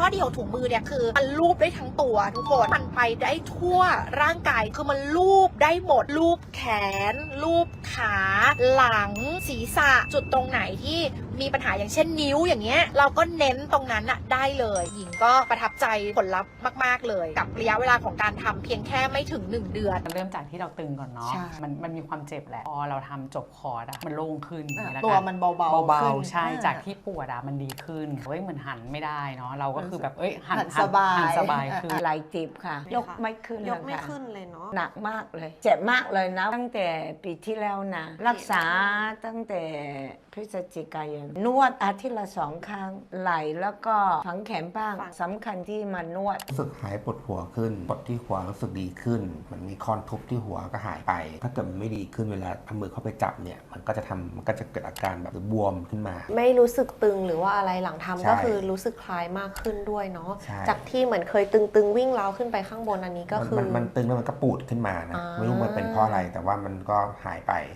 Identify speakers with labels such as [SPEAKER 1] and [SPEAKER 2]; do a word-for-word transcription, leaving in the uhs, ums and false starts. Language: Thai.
[SPEAKER 1] ข้อดีของถุงมือเนี่ยคือมันลูบได้ทั้งตัวทุกคนมันไปได้ทั่วร่างกายคือมันลูบได้หมดลูบแขนลูบขาหลังศีรษะจุดตรงไหนที่มีปัญหาอย่างเช่นนิ้วอย่างเงี้ยเราก็เน้นตรงนั้นอะได้เลยหญิงก็ประทับใจผลลัพธ์มากๆเลยกับระยะเวลาของการทำเพียงแค่ไม่ถึงหนึ่งเดือน
[SPEAKER 2] เริ่มจากที่เราตึงก่อนเนาะ
[SPEAKER 3] ใช่
[SPEAKER 2] มันมันมีความเจ็บแหละพอเราทำจบคอร์สอะมันโล่งขึ้นอย่างนี้ละกัน
[SPEAKER 3] ตัวมันเบาๆ
[SPEAKER 2] เบา
[SPEAKER 3] ขึ้น
[SPEAKER 2] ๆใช่
[SPEAKER 3] อ่า
[SPEAKER 2] จากที่ปวดอะมันดีขึ้นเฮ้ยเหมือนหันไม่ได้เนาะเราก็คือแบบเอ้ยหัน
[SPEAKER 3] หันสบาย
[SPEAKER 2] หันสบายขึ้น
[SPEAKER 4] ไหลเจ็บค่ะ
[SPEAKER 5] ไหมคะ
[SPEAKER 4] ยกไม่ขึ้น
[SPEAKER 5] ยกไม่
[SPEAKER 4] ค่ะ
[SPEAKER 5] ขึ้นเลยเนาะ
[SPEAKER 4] หนักมากเลย เจ็บมากเลยนะ ตั้งแต่ปีที่แล้วนะ รักษาตั้งแต่พฤศจิกายนนวดอาทิตย์ละสองครั้งไหลแล้วก็ฝังแขนบ้าง
[SPEAKER 5] ฝัง
[SPEAKER 4] สำคัญที่มานวด
[SPEAKER 6] รู้สึกหายปวดหัวขึ้นปวดที่หัวรู้สึกดีขึ้น มันมีคอนทุบที่หัวก็หายไป ถ้าเกิดมันไม่ดีขึ้นเวลาเอามือเข้าไปจับเนี่ย มันก็จะทำมันก็จะเกิดอาการแบบบวมขึ้นมา
[SPEAKER 5] ไม่รู้สึกตึงหรือว่าอะไรหลังทำ
[SPEAKER 6] ใช่
[SPEAKER 5] ก็คือรู้สึกคลายมากขึ้นด้วยเนาะ
[SPEAKER 6] ใช่
[SPEAKER 5] จากที่เหมือนเคยตึงๆวิ่งเล้าขึ้นไปข้างบนอันนี้ก็
[SPEAKER 6] มัน
[SPEAKER 5] คือ
[SPEAKER 6] มันมันตึงแล้วมันก็ปูดขึ้นมานะ
[SPEAKER 5] อ่า
[SPEAKER 6] ไม่รู้มันเป็นเพราะอะไรแต่ว่ามันก็หายไป